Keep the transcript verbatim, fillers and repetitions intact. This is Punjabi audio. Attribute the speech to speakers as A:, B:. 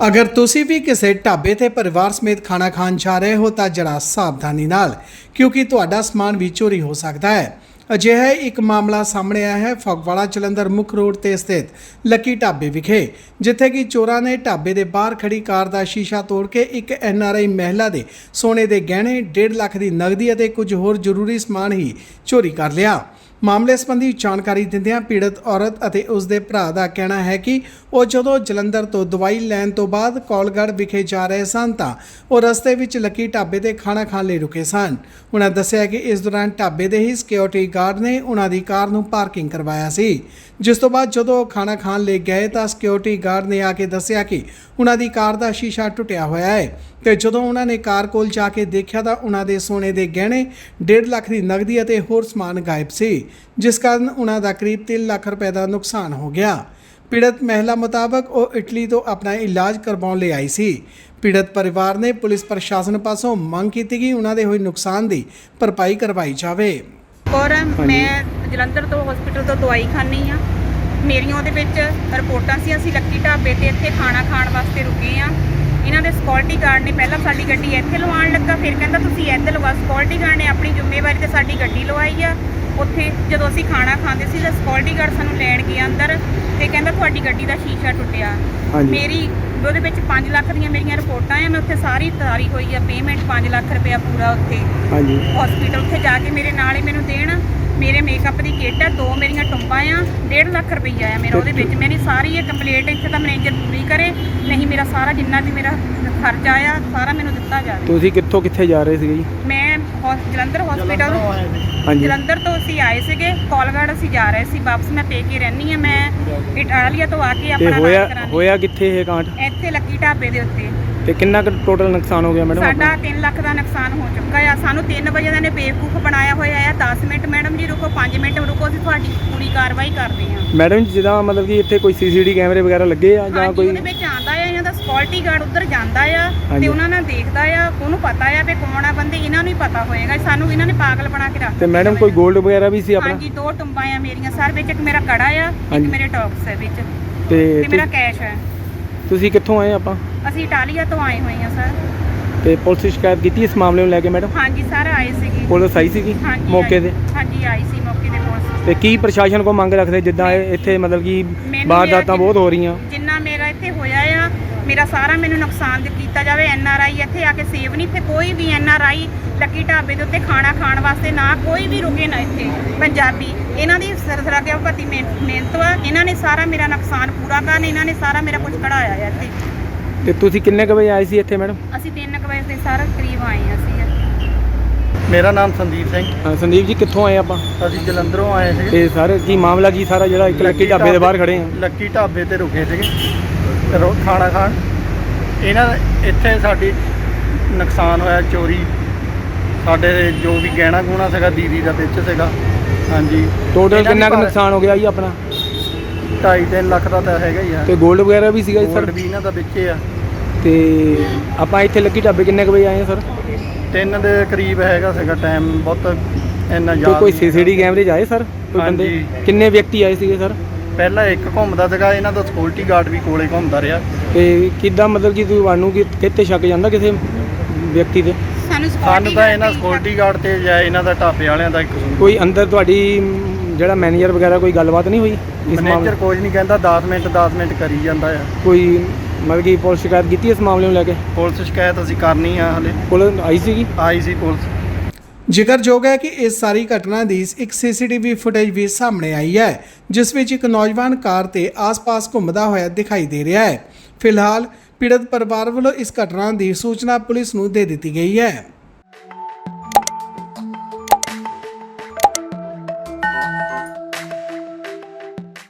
A: अगर तुसी भी किसी ढाबे ते परिवार समेत खाना खान जा रहे हो तो जरा सावधानी नाल, क्योंकि तुहाडा समान भी चोरी हो सकता है। अजिहा एक मामला सामने आया है फगवाड़ा जलंधर मुख रोड ते स्थित लकी ढाबे विखे, जिथे कि चोरां ने ढाबे दे बाहर खड़ी कार दा शीशा तोड़ के एक एन आर आई महिला दे सोने दे गहने, डेढ़ लाख दी नगदी अते कुछ होर जरूरी समान ही चोरी कर लिया। मामले संबंधी जानकारी दिंदियां पीड़ित औरत अते उसके भरा का कहना है कि वो जदों जलंधर तो दवाई लैन तो बाद कौलगढ़ विखे जा रहे सन तां वो रस्ते विच लकी ढाबे ते खाना खाण लई रुके सन। उन्होंने दस्सिया कि इस दौरान ढाबे दे ही सिक्योरिटी गार्ड ने उन्हां दी कार नूं पार्किंग करवाया सी, जिस तो बाद जदों खाना खाण लई गए तां सिक्योरिटी गार्ड ने आके दस्सिया कि उन्हां दी कार दा शीशा टुटिया होया है ते जदों उन्हां ने कार कोल जाके देखिया तां उन्हां दे सोने दे गहने, डेढ़ लाख दी नगदी अते होर समान गायब सी, जिस कारण उन्हां दा करीब तीन लाख रुपए का नुकसान हो गया। पीड़ित महिला मुताबक वो इटली तो अपना इलाज करवाउण लई आई सी। पीड़ित परिवार ने पुलिस प्रशासन पासों मंग की कि उन्हां दे होए नुकसान की भरपाई करवाई जाए।
B: और मैं जलंधर तो हॉस्पिटल तो दवाई खानी हाँ, मेरिया ਉਹਦੇ ਵਿੱਚ ਰਿਪੋਰਟਾਂ ਸੀ। ਅਸੀਂ ਲੱਕੀ ਢਾਬੇ ਤੇ ਇੱਥੇ ਖਾਣਾ ਖਾਣ ਵਾਸਤੇ ਰੁਕੇ ਆ। ਇਹਨਾਂ ਦੇ ਸਿਕਿਉਰਿਟੀ ਗਾਰਡ ਨੇ ਪਹਿਲਾਂ ਸਾਡੀ ਗੱਡੀ ਇੱਥੇ ਲਵਾਉਣ ਲੱਗਾ, ਫਿਰ ਕਹਿੰਦਾ ਤੁਸੀਂ ਇੱਧਰ ਲਵਾ। ਸਿਕਿਉਰਿਟੀ ਗਾਰਡ ਨੇ ਆਪਣੀ ਜ਼ਿੰਮੇਵਾਰੀ ਤੇ ਸਾਡੀ ਗੱਡੀ ਲਵਾਈ ਆ। ਉੱਥੇ ਜਦੋਂ ਅਸੀਂ ਖਾਣਾ ਖਾਂਦੇ ਸੀ ਤਾਂ ਸਿਕਿਉਰਿਟੀ ਗਾਰਡ ਸਾਨੂੰ ਲੈਣ ਗਿਆ ਅੰਦਰ ਤੇ ਕਹਿੰਦਾ ਤੁਹਾਡੀ ਗੱਡੀ ਦਾ ਸ਼ੀਸ਼ਾ ਟੁੱਟਿਆ। ਮੇਰੀ ਉਹਦੇ ਵਿੱਚ ਪੰਜ ਲੱਖ ਦੀਆਂ ਮੇਰੀਆਂ ਰਿਪੋਰਟਾਂ ਆ। ਮੈਂ ਉੱਥੇ ਸਾਰੀ ਤਾਰੀ ਹੋਈ ਆ, ਪੇਮੈਂਟ ਪੰਜ ਲੱਖ ਰੁਪਇਆ ਪੂਰਾ ਉੱਥੇ ਹਸਪੀਟਲ ਉੱਥੇ ਜਾ ਕੇ ਮੇਰੇ ਨਾਲ ਹੀ ਮੈਨੂੰ ਦੇਣ। ਮੇਰੇ ਮੇਕਅਪ ਦੀ ਕਿੱਟ ਆ, ਦੋ ਮੇਰੀਆਂ ਟੁੰਬਾਂ ਆ, ਡੇਢ ਲੱਖ ਰੁਪਈਆ ਆ ਮੇਰਾ ਉਹਦੇ ਵਿੱਚ। ਮੇਰੀ ਸਾਰੀ ਇਹ ਕੰਪਲੀਟ ਇੱਥੇ ਤਾਂ ਮੈਨੇਜਰ ਪੂਰੀ ਕਰੇ, ਨਹੀਂ ਮੇਰਾ ਸਾਰਾ ਜਿੰਨਾ ਵੀ ਮੇਰਾ ਖਰਚਾ ਆ ਸਾਰਾ ਮੈਨੂੰ ਦਿੱਤਾ ਜਾਵੇ।
C: ਤੁਸੀਂ ਕਿੱਥੋਂ ਕਿੱਥੇ ਜਾ ਰਹੇ ਸੀਗੇ ਜੀ?
B: ਮੈਂ ਜਲੰਧਰ ਹਸਪੀਟਲ ਜਲੰਧਰ ਤੋਂ ਅਸੀਂ ਆਏ ਸੀਗੇ, ਕੌਲਗੜ੍ਹ ਅਸੀਂ ਜਾ ਰਹੇ ਸੀ ਵਾਪਸ। ਮੈਂ ਪੇਕੇ ਰਹਿੰਦੀ ਆ, ਮੈਂ ਇਟਾਲੀਆ ਤੋਂ ਆ ਕੇ ਆਪਣਾ
C: ਹੋਇਆ ਹੋਇਆ ਕਿੱਥੇ ਇਹ ਕਾਂਡ?
B: ਇੱਥੇ ਲੱਕੀ ਢਾਬੇ ਦੇ ਉੱਤੇ।
C: ਤੇ ਕਿੰਨਾ ਕੁ ਟੋਟਲ ਨੁਕਸਾਨ ਹੋ ਗਿਆ ਮੈਡਮ?
B: ਸਾਡਾ ਤਿੰਨ ਲੱਖ ਦਾ ਨੁਕਸਾਨ ਹੋ ਚੁੱਕਾ ਆ। ਸਾਨੂੰ ਤਿੰਨ ਵਜੇ ਦਾ ਨੇ ਬੇਵਕੂਫ ਬਣਾਇਆ ਹੋਇਆ ਆ। ਦਸ ਮਿੰਟ ਮੈਡਮ ਜੀ ਰੁਕੋ, ਪੰਜ ਮਿੰਟ ਰੁਕੋ, ਅਸੀਂ ਤੁਹਾਡੀ ਪੂਰੀ ਕਾਰਵਾਈ ਕਰਦੇ ਹਾਂ।
C: ਮੈਡਮ ਜੀ ਜਿੱਦਾਂ ਮਤਲਬ ਕਿ ਇੱਥੇ ਕੋਈ ਸੀਸੀਟੀ ਕੈਮਰੇ ਵਗੈਰਾ ਲੱਗੇ ਆ ਜਾਂ ਕੋਈ?
B: ਉਹਦੇ ਵਿੱਚ ਆਂਦਾ ਆ, ਇਹਨਾਂ ਦਾ ਸਿਕਿਉਰਿਟੀ ਗਾਰਡ ਉੱਧਰ ਜਾਂਦਾ ਆ ਤੇ ਉਹਨਾਂ ਨਾਲ ਦੇਖਦਾ ਆ, ਉਹਨੂੰ ਪਤਾ ਆ ਵੀ ਕੌਣ ਆ ਬੰਦੇ, ਇਹਨਾਂ ਨੂੰ ਹੀ ਪਤਾ ਹੋਏਗਾ। ਸਾਨੂੰ ਇਹਨਾਂ ਨੇ ਪਾਗਲ ਬਣਾ ਕੇ ਰੱਖ।
C: ਤੇ ਮੈਡਮ ਕੋਈ ਗੋਲਡ ਵਗੈਰਾ ਵੀ ਸੀ ਆਪਣਾ?
B: ਹਾਂਜੀ, ਦੋ ਟੁੰਬਾਂ ਆ ਮੇਰੀਆਂ ਸਰ ਵਿੱਚ, ਇੱਕ ਮੇਰਾ ਕੜਾ ਆ, ਇੱਕ ਮੇਰੇ ਟੌਪਸ ਹੈ ਵਿੱਚ
C: ਤੇ
B: ਮੇਰਾ ਕੈਸ਼ ਹੈ।
C: ਤੁਸੀਂ ਕਿੱਥੋਂ ਆਏ? ਆਪਾਂ
B: ਅਸੀਂ ਇਟਾਲੀਆ ਤੋਂ ਆਏ ਹੋਏ ਹਾਂ ਸਰ।
C: ਤੇ ਪੁਲਿਸ ਸ਼ਿਕਾਇਤ ਕੀਤੀ ਇਸ ਮਾਮਲੇ ਨੂੰ ਲੈ ਕੇ ਮੈਡਮ?
B: ਹਾਂਜੀ ਸਰ, ਆਏ ਸੀਗੇ।
C: ਪੁਲਿਸ ਆਈ ਸੀਗੀ ਮੌਕੇ ਤੇ?
B: ਹਾਂਜੀ ਆਈ ਸੀ ਮੌਕੇ ਤੇ ਪੁਲਿਸ।
C: ਤੇ ਕੀ ਪ੍ਰਸ਼ਾਸਨ ਕੋ ਮੰਗ ਰੱਖਦੇ ਜਿੱਦਾਂ ਇੱਥੇ ਮਤਲਬ ਕਿ ਵਾਰਦਾਤਾਂ ਬਹੁਤ ਹੋ ਰਹੀਆਂ?
B: ਜਿੰਨਾ ਮੇਰਾ ਇੱਥੇ ਹੋਇਆ ਆ, ਮੇਰਾ ਸਾਰਾ ਮੈਨੂੰ ਨੁਕਸਾਨ ਕੀਤਾ ਜਾਵੇ। ਐਨ ਆਰ ਆਈ ਇੱਥੇ ਆ ਕੇ ਸੇਵ ਨਹੀਂ, ਇੱਥੇ ਕੋਈ ਵੀ ਐਨ ਆਰ ਆਈ ਲੱਕੀ ਢਾਬੇ ਦੇ ਉੱਤੇ ਖਾਣਾ ਖਾਣ ਵਾਸਤੇ ਨਾ ਕੋਈ ਵੀ ਰੁਕੇ ਨਾ। ਇੱਥੇ ਪੰਜਾਬੀ ਇਹਨਾਂ ਦੀ ਸਰਸਰਾ ਕੇ ਭਤੀ ਮਿਹਨਤ ਵਾ, ਇਹਨਾਂ ਨੇ ਸਾਰਾ ਮੇਰਾ ਨੁਕਸਾਨ ਪੂਰਾ ਕਰਨ, ਇਹਨਾਂ ਨੇ ਸਾਰਾ ਮੇਰਾ ਕੁਝ ਕਢਾਇਆ ਆ ਇੱਥੇ।
C: ਤੇ ਤੁਸੀਂ ਕਿੰਨੇ ਕੁ ਵਜੇ ਆਏ ਸੀ ਇੱਥੇ ਮੈਡਮ?
B: ਅਸੀਂ ਤਿੰਨ ਕੁ ਵਜੇ ਦੇ ਸਾਰਾ ਕਰੀਬ ਆਏ ਹਾਂ ਅਸੀਂ।
D: ਮੇਰਾ ਨਾਮ ਸੰਦੀਪ ਸਿੰਘ।
C: ਹਾਂ ਸੰਦੀਪ ਜੀ, ਕਿੱਥੋਂ ਆਏ ਆਪਾਂ?
D: ਅਸੀਂ ਜਲੰਧਰੋਂ ਆਏ ਸੀਗੇ।
C: ਤੇ ਸਰ ਕੀ ਮਾਮਲਾ ਕੀ ਸਾਰਾ ਜਿਹੜਾ ਇੱਕ ਲੱਕੀ ਢਾਬੇ ਦੇ ਬਾਹਰ ਖੜੇ ਆ?
D: ਲੱਕੀ ਢਾਬੇ ਤੇ ਰੁਕੇ ਸੀਗੇ ਰੋ ਖਾਣਾ ਖਾਣ। ਇਹਨਾਂ ਇੱਥੇ ਸਾਡੀ ਨੁਕਸਾਨ ਹੋਇਆ, ਚੋਰੀ। ਸਾਡੇ ਜੋ ਵੀ ਗਹਿਣਾ ਗੁਣਾ ਸੀਗਾ ਦੀਦੀ ਦਾ ਵਿੱਚ ਸੀਗਾ। ਹਾਂਜੀ,
C: ਟੋਟਲ ਕਿੰਨਾ ਕੁ ਨੁਕਸਾਨ ਹੋ ਗਿਆ ਜੀ ਆਪਣਾ?
D: ਢਾਈ ਤਿੰਨ ਲੱਖ ਦਾ ਤਾਂ ਹੈਗਾ ਹੀ ਆ।
C: ਤੇ ਗੋਲਡ ਵਗੈਰਾ ਵੀ ਸੀਗਾ ਜੀ ਸਰ?
D: ਗੋਲਡ ਵੀ ਇਹਨਾਂ ਦਾ ਵਿੱਚ ਆ।
C: ਤੇ ਆਪਾਂ ਇੱਥੇ ਲੱਕੀ ਢਾਬੇ ਕਿੰਨੇ ਕੁ ਵਜੇ ਆਏ ਆ ਸਰ?
D: ਤਿੰਨ ਦੇ ਕਰੀਬ ਹੈਗਾ ਸੀਗਾ ਟਾਈਮ, ਬਹੁਤ ਇੰਨਾ ਯਾਦ।
C: ਕੋਈ ਸੀਸੀਟੀ ਕੈਮਰੇ 'ਚ ਆਏ ਸਰ ਕੋਈ ਬੰਦੇ? ਕਿੰਨੇ ਵਿਅਕਤੀ ਆਏ ਸੀਗੇ ਸਰ?
D: ਪਹਿਲਾਂ ਇੱਕ ਘੁੰਮਦਾ ਸੀਗਾ, ਇਹਨਾਂ ਦਾ ਸਿਕਿਉਰਿਟੀ ਗਾਰਡ ਵੀ ਕੋਲੇ ਘੁੰਮਦਾ ਰਿਹਾ।
C: ਤੇ ਕਿੱਦਾਂ ਮਤਲਬ ਕਿ ਤੁਹਾਨੂੰ ਕਿੱਥੇ ਸ਼ੱਕ ਜਾਂਦਾ ਕਿਸੇ ਵਿਅਕਤੀ ਤੇ?
B: ਸਾਨੂੰ
D: ਸਾਨੂੰ ਤਾਂ ਇਹਨਾਂ ਸਿਕਿਉਰਿਟੀ ਗਾਰਡ ਤੇ ਜਾਂ ਇਹਨਾਂ ਦਾ ਢਾਬੇ ਵਾਲਿਆਂ ਦਾ ਇੱਕ
C: ਕੋਈ ਅੰਦਰ ਤੁਹਾਡੀ ਜਿਹੜਾ ਮੈਨੇਜਰ ਵਗੈਰਾ ਕੋਈ ਗੱਲਬਾਤ ਨਹੀਂ ਹੋਈ?
D: ਮੈਨੇਜਰ ਕੁਝ ਨਹੀਂ ਕਹਿੰਦਾ, ਦਸ ਮਿੰਟ ਦਸ ਮਿੰਟ ਕਰੀ ਜਾਂਦਾ ਆ।
C: ਕੋਈ ਮਤਲਬ ਕਿ ਪੁਲਿਸ ਸ਼ਿਕਾਇਤ ਕੀਤੀ ਇਸ ਮਾਮਲੇ ਨੂੰ ਲੈ ਕੇ?
D: ਪੁਲਿਸ ਸ਼ਿਕਾਇਤ ਅਸੀਂ ਕਰਨੀ ਆ, ਹਲੇ
C: ਪੁਲਿਸ ਆਈ ਸੀਗੀ?
D: ਆਈ ਸੀ ਪੁਲਿਸ।
A: ਜ਼ਿਕਰਯੋਗ ਹੈ ਕਿ ਇਸ ਸਾਰੀ ਘਟਨਾ ਦੀ ਇੱਕ ਸੀ ਸੀ ਟੀ ਵੀ ਫੁਟੇਜ ਵੀ ਸਾਹਮਣੇ ਆਈ ਹੈ, ਜਿਸ ਵਿੱਚ ਇੱਕ ਨੌਜਵਾਨ ਕਾਰ ਤੇ ਆਸ-ਪਾਸ ਘੁੰਮਦਾ ਹੋਇਆ ਦਿਖਾਈ ਦੇ ਰਿਹਾ ਹੈ। ਫਿਲਹਾਲ ਪੀੜਤ ਪਰਿਵਾਰ ਵੱਲੋਂ ਇਸ ਘਟਨਾ ਦੀ ਸੂਚਨਾ ਪੁਲਿਸ ਨੂੰ ਦੇ ਦਿੱਤੀ ਗਈ ਹੈ।